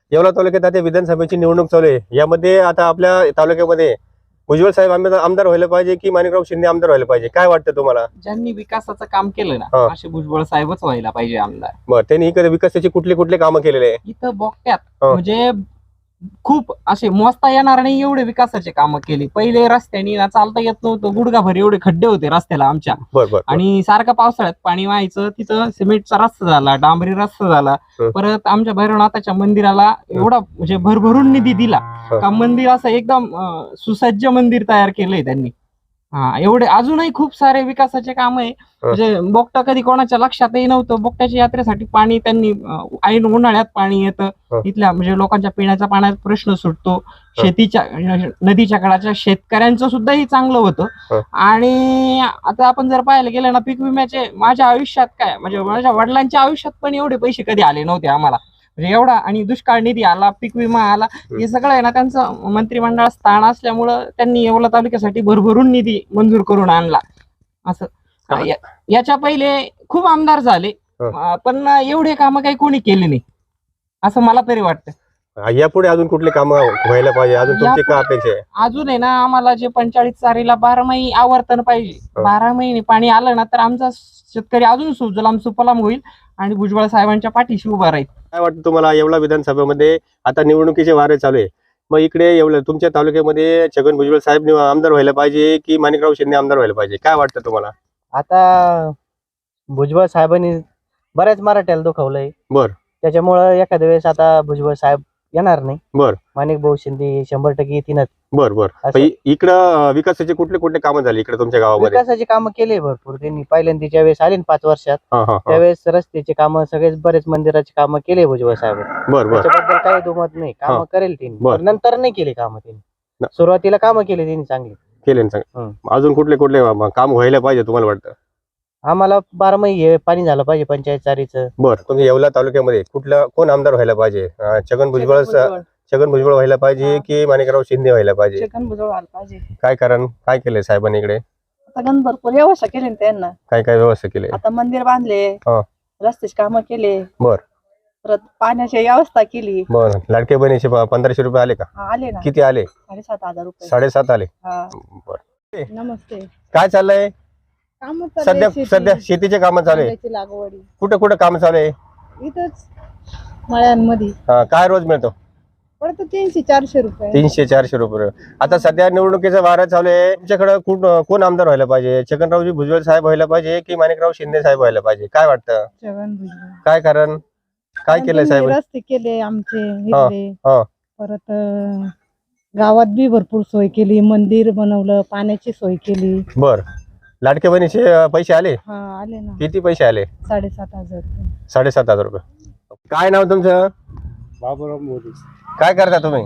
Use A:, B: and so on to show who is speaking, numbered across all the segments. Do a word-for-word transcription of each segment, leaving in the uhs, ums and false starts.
A: येवला तालुक्यात आता विधानसभेची निवडणूक चालू आहे। यामध्ये आता आपल्या तालुक्यामध्ये भुजबळ साहेब आमदार आमदार व्हायला पाहिजे की माणिकराव शिंदे आमदार व्हायला पाहिजे, काय वाटतं तुम्हाला?
B: ज्यांनी विकासाचं काम केलं ना
A: हा.
B: असे भुजबळ साहेबच व्हायला पाहिजे आमदार।
A: बरं, त्यांनी इकडे विकासाची कुठले कुठले कामं केलेले आहे?
B: इथं बोगट्यात
A: हा.
B: म्हणजे खूप असे मोजता येणार नाही एवढे विकासाचे कामं केली। पहिले रस्त्यानी ना चालता येत नव्हतं, गुडघाभर एवढे खड्डे होते रस्त्याला आमच्या,
A: बरं बरं
B: आणि सारखं पावसाळ्यात पाणी व्हायचं, तिथं सिमेंटचा रस्ता झाला, डांबरी रस्ता झाला।
A: हं.
B: परत आमच्या भैरवनाथाच्या मंदिराला एवढा म्हणजे भरभरून निधी दिला
A: हं.
B: का मंदिर असं एकदम अं, सुसज्ज मंदिर तयार केलंय त्यांनी। हा, एवढे अजूनही खूप सारे विकासाचे काम आहे। म्हणजे बोगटा कधी कोणाच्या लक्षातही नव्हतं, बोगट्याच्या यात्रेसाठी पाणी त्यांनी अं, ऐन उन्हाळ्यात पाणी येतं
A: हं.
B: इथल्या, म्हणजे लोकांच्या पिण्याच्या पाण्याचा प्रश्न सुटतो, शेतीच्या नदीच्या काळाच्या शेतकऱ्यांचं सुद्धाही चांगलं
A: हं.
B: होतं। आणि आता आपण जर पाहायला गेलं ना, पीक विम्याचे माझ्या आयुष्यात काय म्हणजे माझ्या वडिलांच्या आयुष्यात पण एवढे पैसे कधी आले नव्हते आम्हाला, म्हणजे एवढा। आणि दुष्काळ निधी आला, पीक विमा आला, हे सगळं आहे ना त्यांचं मंत्रिमंडळात स्थान असल्यामुळं त्यांनी येवला तालुक्यासाठी भरभरून निधी मंजूर करून आणला असं।
A: हा.
B: या- याच्या पहिले खूप आमदार झाले,
A: हं.
B: अं, पण एवढे कामं काही कोणी केले नाही असं मला तरी वाटतं।
A: यापुढे अजून कुठले कामं व्हायला पाहिजे, अजून तुमची काय अपेक्षा आहे?
B: अजून आहे ना, आम्हाला जे पंचेचाळीस चारीला बारा महिने आवर्तन पाहिजे।
A: हं.
B: बारा महिने पाणी आलं ना तर आमचा शेतकरी अजून सुजलाम सुफलाम होईल आणि भुजबळ साहेबांच्या पाठीशी उभा राहील।
A: काय वाटतं तुम्हाला? येवला विधानसभेमध्ये आता निवडणुकीचे वारे चालू आहे, मग इकडे येवला तुमच्या तालुक्यामध्ये छगन भुजबळ साहेब निव- आमदार व्हायला पाहिजे की माणिकराव शिंदे आमदार व्हायला पाहिजे, काय वाटतं तुम्हाला?
C: आता भुजबळ साहेबांनी बऱ्याच मराठ्याला दुखवलंय,
A: बर
C: त्याच्यामुळं एखाद्या वेळेस आता भुजबळ साहेब येणार नाही,
A: बर
C: माणिक भाऊ शिंदे शंभर टक्के येतीलच।
A: बर बर
C: असं.
A: इ- इकडं अं, विकासाचे कुठले कुठले कामं झाले इकडे तुमच्या गावामध्ये?
C: विकासाची कामं केले भरपूर त्यांनी, पहिल्यांदा वेळेस आले ना पाच वर्षात,
A: हा हा हा.
C: त्यावेळेस रस्त्याचे कामं सगळेच बरेच मंदिराची कामं केले भुजबळ साहेब,
A: बर बर
C: त्याच्याबद्दल काही दुमत नाही,
A: हा.
C: कामं करेल त्यांनी,
A: बर.
C: पण नंतर नाही केली कामं त्यांनी,
A: न-
C: सुरुवातीला कामं केली त्यांनी चांगली।
A: केले ना सांग.
C: हं.
A: अजून कुठले कुठले अं, काम व्हायला पाहिजे तुम्हाला वाटतं?
C: आम्हाला बारा महिने पाणी झालं पाहिजे पंचायत चारीचं।
A: बर, तुम्ही येवला तालुक्यामध्ये कुठला कोण आमदार व्हायला पाहिजे? अं, छगन भुजबळ छगन भुजबळ व्हायला पाहिजे की माणिकराव शिंदे व्हायला पाहिजे?
D: छगन भुजबळ व्हायला पाहिजे।
A: काय कारण, काय केलंय साहेबांनी इकडे?
D: आता गण भरपूर व्यवस्था केली ना त्यांना,
A: काय काय व्यवस्था केली?
D: आता मंदिर बांधले,
A: हा.
D: रस्त्याची कामं केले,
A: बर
D: परत पाण्याची व्यवस्था केली।
A: बर, लाडके बहिणीचे प- पंधराशे रुपये आले का?
D: हा, आले ना
A: किती आले?
D: साडेसात हजार रुपये।
A: साडेसात आले.
D: हा.
A: बर,
D: नमस्ते।
A: काय चाललंय
D: काम
A: सध्या? सध्या शेतीचे कामं चालू आहे,
D: लागवडी
A: कुठं कुठं काम चालू आहे?
D: इथंच मळ्यांमध्ये
A: हा, काय रोज मिळतो?
D: पडतो तीनशे चारशे रुपये।
A: तीनशे चारशे रुपये. आता सध्या निवडणुकीचा वारा चालू आहे, तुमच्याकडे कोण कोण आमदार व्हायला पाहिजे? छगनरावजी भुजबळ साहेब व्हायला पाहिजे की माणिकराव शिंदे साहेब व्हायला पाहिजे, काय वाटतं?
D: छगन भुजबळ।
A: काय कारण, काय केलंय साहेब?
D: रस्ते केले आमचे
A: हा,
D: इथले,
A: हा.
D: परत अं, गावात बी भरपूर सोय केली, मंदिर बनवलं, पाण्याची सोय केली।
A: बर, लाडके बहिणीचे अं, पैसे आले?
D: हा, आले ना
A: किती पैसे आले?
D: साडेसात हजार रुपये।
A: साडेसात हजार रुपये. काय नाव तुमचं?
E: बाबूराव मोरे.
A: काय करता तुम्ही?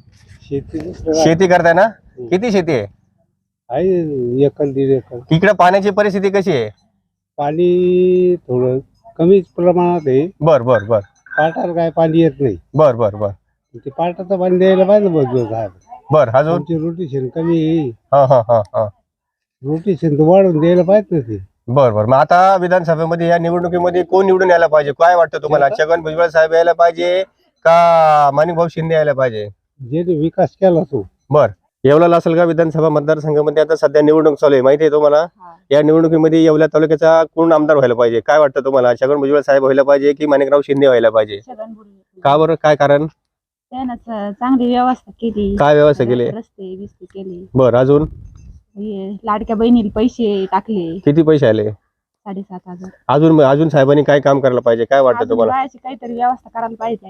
E: शेती
A: शेती करताय ना? किती शेती आहे?
E: आहे एकर दीड एकर.
A: इकडे पाण्याची परिस्थिती कशी आहे?
E: पाणी थोडं कमीच प्रमाणात आहे.
A: बर बर बर
E: पाटाला काय पाणी येत नाही,
A: बर बर बर
E: ते पाटाचं पाणी द्यायला पाहिजे बघ साहेब.
A: बर अजून?
E: तुमची रोटेशन कमी आहे,
A: हा हा हा हा
E: रोटेशन तर वाढून द्यायला पाहिजे ना ते.
A: बर बर मग आता विधानसभेमध्ये या निवडणुकीमध्ये कोण निवडून यायला पाहिजे, काय वाटतं तुम्हाला? छगन भुजबळ साहेब यायला पाहिजे का माणिकभाऊ शिंदे यायला पाहिजे?
E: ज्याने विकास केला तो.
A: बर, येवला लासलगाव विधानसभा मतदारसंघामध्ये आता सध्या निवडणूक चालू आहे, माहिती आहे तुम्हाला?
D: हा.
A: या निवडणुकीमध्ये येवला तालुक्याचा कोण आमदार व्हायला पाहिजे, काय वाटतं तुम्हाला? छगन भुजबळ साहेब व्हायला पाहिजे की माणिकराव शिंदे व्हायला पाहिजे,
D: छगन भुजबळ।
A: का बरं, काय कारण?
D: त्यानं च- चांगली व्यवस्था केली,
A: काय व्यवस्था केली?
D: रस्ते बिस्ते केले,
A: बर, अजून
D: हे लाडक्या बहिणीला पैसे टाकले
A: किती पैसे आले?
D: साडेसात हजार।
A: अजून अजून साहेबांनी काय काम करायला पाहिजे, काय वाटतं
D: अजून
A: तुम्हाला?
D: बायाची काहीतरी व्यवस्था करायला पाहिजे।